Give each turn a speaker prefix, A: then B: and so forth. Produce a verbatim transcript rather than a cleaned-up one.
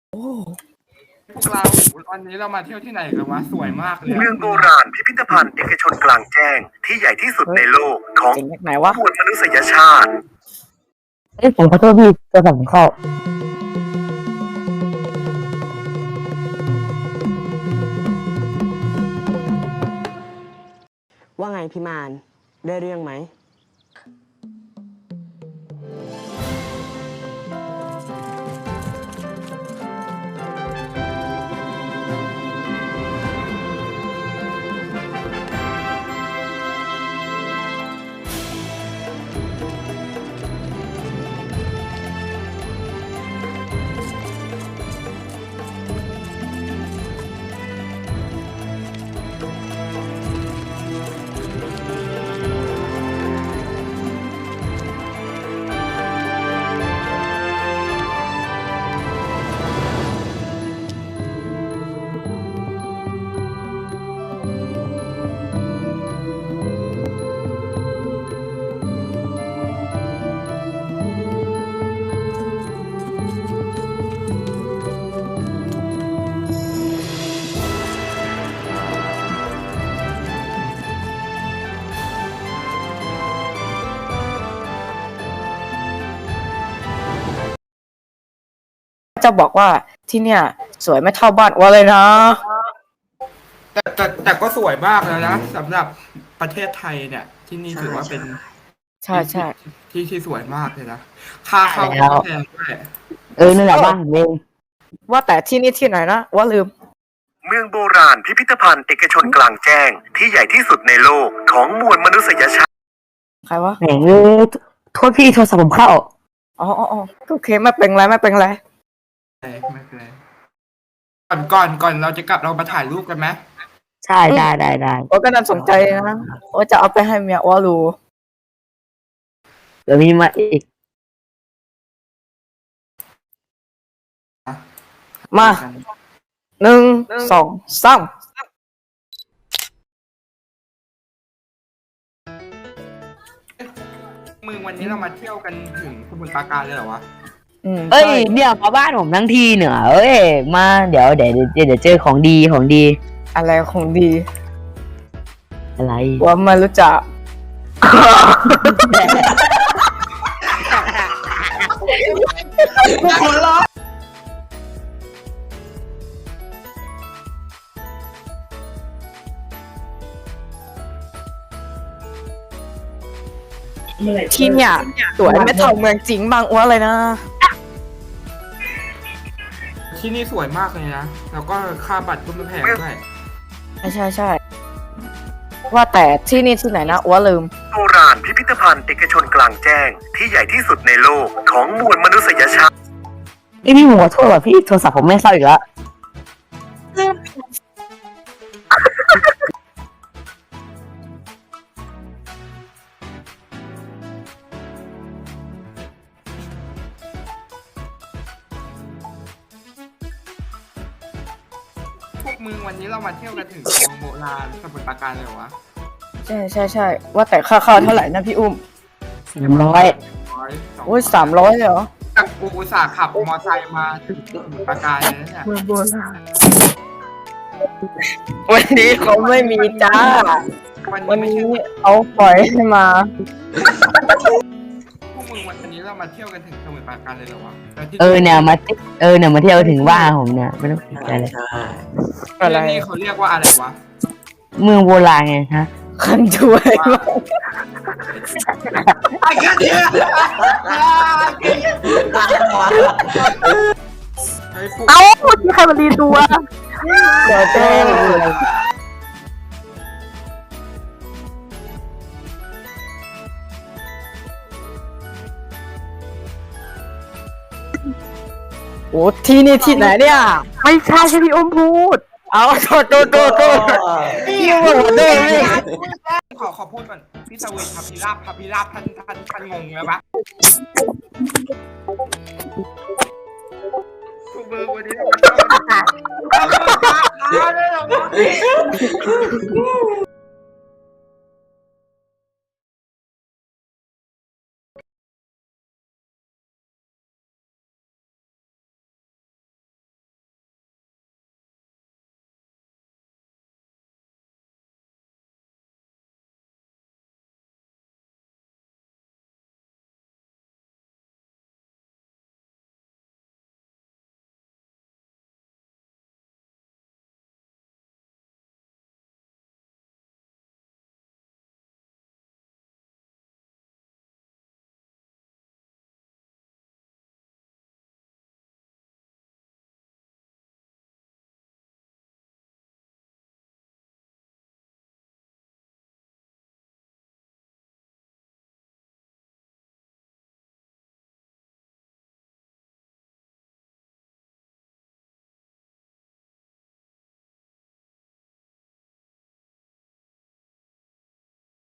A: โอ้
B: พวกเราวันนี้เรามาเที่ยวที่ไหนกันวะสวยมากเลย
C: เมืองโบราณพิพิธภัณฑ์เอกชนกลางแจ้งที่ใหญ่ที่สุดในโลกของ
A: เจ๋งจากไหนวะ
C: มวลมนุษยชาติ
D: เอ้ยผมขอโทษพี่โทรศัพท์ผมเข้า
E: ว่าไงพี่มานได้เรื่องไหม
A: จะบอกว่าที่เนี่ยสวยไม่เท่าบ้านอัวเลยนะ
B: แต่แต่แต่ก็สวยมากแล้วนะสำหรับประเทศไทยเนี่ย ที่นี่ถือว่าเป็น
A: ใช่ใช่
B: ที่ที่สวยมากเลยนะค่าเข้า
D: แล้ว
B: ก็แพงด้วย
D: เออนั่นแหละบ้านผมเอง
A: ว่าแต่ที่นี่ที่ไหนนะอัวลืม
C: เมืองโบราณพิพิธภัณฑ์เอกชนกลางแจ้งที่ใหญ่ที่สุดในโลกของมวลมนุษยชาติ
A: ใครวะ
D: แหมเอ้ยโทษพี่โทรศัพท์ผมเข้า
A: อ๋ออ๋ออ๋อโอเคไม่เป็นไรไม่เป็นไร
B: ไม่เป็นไรก่อนก่อนก่อนเราจะกลับเรามาถ่ายรูปกันไหม
D: ใช่ได้ได้ได้
A: อัวก็น่าสนใจนะอัวจะเอาไปให้เมียอัวรู้
D: เดี๋ยวมีมาอีก
A: มาหนึ่งสองสาม
B: มึงวันนี้เรามาเที่ยวกันถึงสมุทรปราการเลยเหรอวะ
A: อืม
D: เอ้ย
A: ใช่
D: เนี่ยมาบ้านผมทั้งทีเหนือเอ้ยมาเดี๋ยวเดี๋ยวเดี๋ยวเดี๋ยวเจอของดีของดี
A: อะไรคงดี
D: อะไร
A: อัวไม่รู้จักที่เนี่ยสวยไม่เท่าเมืองจริงบางอัวเลยนะ
B: ที่นี่สวยมากเลยนะแล้วก็ค่าบัตรก็ไม่แพงด้วย
A: ใช่ใช่ใช่ว่าแต่ที่นี่ที่ไหนนะอัวลืม
C: โบราณพิพิธภัณฑ์เอกชนกลางแจ้งที่ใหญ่ที่สุดในโลกของมวลมนุษยชาติ
D: ไอยพี่ผมขอโทษว่ะพี่โทรศัพท์ผมไม่เข้าอีกแล้ว
B: พวกมึงวันนี้เรามาเที่ยวกันถึงเมืองโบราณสมุทรปราการเลยเหรอวะ
A: ใช่ใช่ใช่ว่าแต่ค่าเข้าเท่าไหร่นะพี่อุ้ม
D: สามร้อย
B: ร้อยสอง
A: โอ้ยสามร้อยเลยเหรอ
B: จากกูอุตส่าห์ขับมอไซค์มาถึงสมุทรปราการเลยนะเนี่ย
A: เมืองโบราณวันนี้เขาไม่มีจ้า
B: วัน
A: วั
B: นี้
A: น
B: ไม่
A: นี้
B: ใช่
A: เอาปล่อยให้มา
B: พวกมึงวันนี้เรามาเที่ยวกันถึงสมุทรปราการเลยเหรอวะแล้วที่
D: เออเนี่ยมาเออเนี่ยมาเที่ยวถึงบ้านผมเนี่ยไม่ต้องติดใจเลย
A: อะไร
B: ที่นี่เขาเรียกว่าอะไรวะ
D: เมืองโบราณไงฮะ
A: คันช่วยมาก
B: ไอ้แค่เนี้ยเฮ้ยพวก
A: เอ้าที่ใครมารีตัวเดี๋ยวเจ้โอ้ที่นี่ที่ไหนเนี่ย ไม่ใช่ใช่พี่อุ้มพูด เอาโทษโทษโทษโทษพี่อุ้มพูดเลย
B: ขอขอพูดก่อนพี่สเวนพับพิราบพับพิราบท่านท่านท่านงงแล้วปะพวกมึงวันนี้เรามาเที่ยวกัน